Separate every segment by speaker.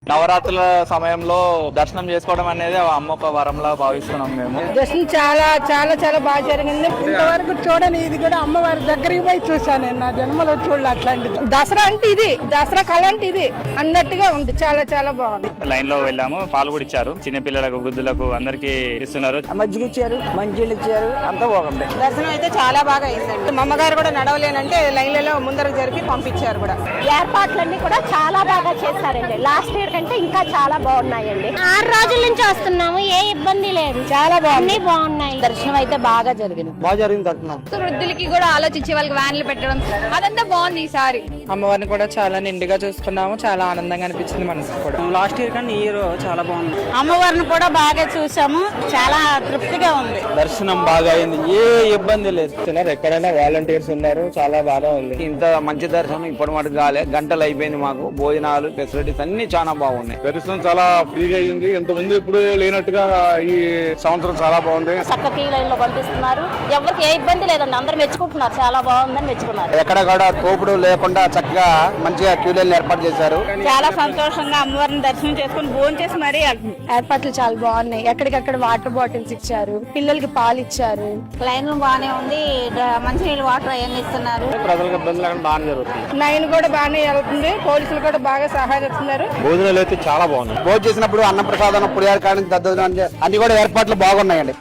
Speaker 1: నవరాత్రుల సమయంలో దర్శనం చేసుకోవడం అనేది అమ్మ ఒక వరంలా భావిస్తున్నాం మేము.
Speaker 2: దర్శనం చాలా చాలా చాలా బాగా జరిగింది. ఇంతవరకు చూడని ఇది కూడా అమ్మవారి దగ్గరికి పోయి చూసాను నేను, నా జన్మలో చూడలే అట్లాంటిది. దసరా అంటే ఇది, దసరా కళ అంటే ఇది అన్నట్టుగా ఉంది. చాలా చాలా బాగుంది.
Speaker 1: లైన్ లో వెళ్ళాము, పాలు కూడా ఇచ్చారు, చిన్నపిల్లలకు వృద్ధులకు అందరికి ఇస్తున్నారు.
Speaker 2: మజ్జిగ ఇచ్చారు, మంచిలు ఇచ్చారు, అంతా బాగుంది.
Speaker 3: దర్శనం అయితే చాలా బాగా అయిందండి. మా అమ్మగారు కూడా నడవలేనంటే లైన్లలో ముందరకు జరిపి పంపించారు కూడా.
Speaker 4: ఏర్పాట్లన్నీ కూడా చాలా బాగా చేశారండి. లాస్ట్ ఇయర్ కంటే ఇంకా చాలా బాగున్నాయండి. 6 రోజుల నుంచి వస్తున్నాము, ఏ ఇబ్బంది లేదు, చాలా బాగుంది, బాగున్నాయి.
Speaker 2: దర్శనం అయితే బాగా జరిగింది. బాగా జరిగింది దర్శనం.
Speaker 3: వృద్ధులకి కూడా ఆలోచించే వాళ్ళకి వ్యాన్లు పెట్టడం అదంతా బాగుంది ఈసారి.
Speaker 2: అమ్మవారిని కూడా చాలా నిండుగా చూసుకున్నాము, చాలా ఆనందంగా అనిపించింది మనసు కూడా. లాస్ట్ ఇయర్ కానీ ఈ ఇయర్ చాలా బాగుంది.
Speaker 4: అమ్మవారిని కూడా బాగా చూసాము, చాలా తృప్తిగా ఉంది.
Speaker 1: దర్శనం బాగా అయింది, ఏ ఇబ్బంది లేదు. ఎక్కడైనా వాలంటీర్స్ ఉన్నారు, చాలా బాగా ఉంది. ఇంత మంచి దర్శనం ఇప్పటి మటుకు కాలే, గంటలు అయిపోయింది మాకు. భోజనాలు ఫెసిలిటీస్ అన్ని చాలా బాగున్నాయి.
Speaker 5: దర్శనం చాలా ఫ్రీగా అయింది, ఇంతకుముందు ఇప్పుడు లేనట్టుగా ఈ సంవత్సరం చాలా బాగుంది.
Speaker 4: చక్కగా లైన్ లో పంపిస్తున్నారు, ఎవరికి ఏ ఇబ్బంది లేదండి, అందరూ మెచ్చుకుంటున్నారు, చాలా బాగుందని మెచ్చుకున్నారు.
Speaker 1: ఎక్కడ కూడా తోపుడు లేకుండా చక్కగా మంచిగా క్యూ లైన్ ఏర్పాటు చేశారు.
Speaker 3: చాలా సంతోషంగా అమ్మవారిని దర్శనం చేసుకుని భోజనం చేసి మరీ
Speaker 4: ఏర్పాట్లు చాలా బాగున్నాయి. ఎక్కడికక్కడ వాటర్ బాటిల్స్ ఇచ్చారు, పిల్లలకి పాలు ఇచ్చారు.
Speaker 3: లైన్ బాగానే ఉంది, మంచినీళ్ళు వాటర్ అవన్నీ ఇస్తున్నారు.
Speaker 1: ప్రజలకు ఇబ్బంది లేకుండా బాగా జరుగుతుంది.
Speaker 2: లైన్ కూడా బాగానే వెళ్తుంది, పోలీసులు కూడా బాగా సహాయపడుతున్నారు.
Speaker 1: భోజనాలు అయితే చాలా బాగున్నాయి. భోజనం చేసినప్పుడు అన్న ప్రసాదం, పులిహార కాడి దద్దోజనం అన్ని కూడా ఏర్పాట్లు బాగున్నాయండి.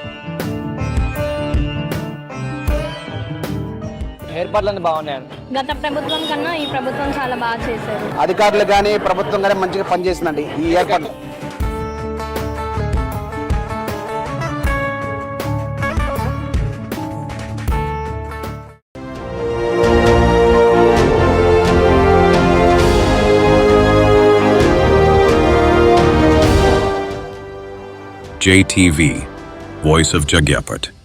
Speaker 1: ఏర్పాట్లన్నీ బాగున్నాయండి.
Speaker 4: గత ప్రభుత్వం కన్నా ఈ ప్రభుత్వం చాలా బాగా చేశారు.
Speaker 1: అధికారులు కానీ ప్రభుత్వం కానీ మంచిగా పనిచేసిందండి ఈ ఏర్పాట్లు.
Speaker 6: JTV, Voice of Jagyapet.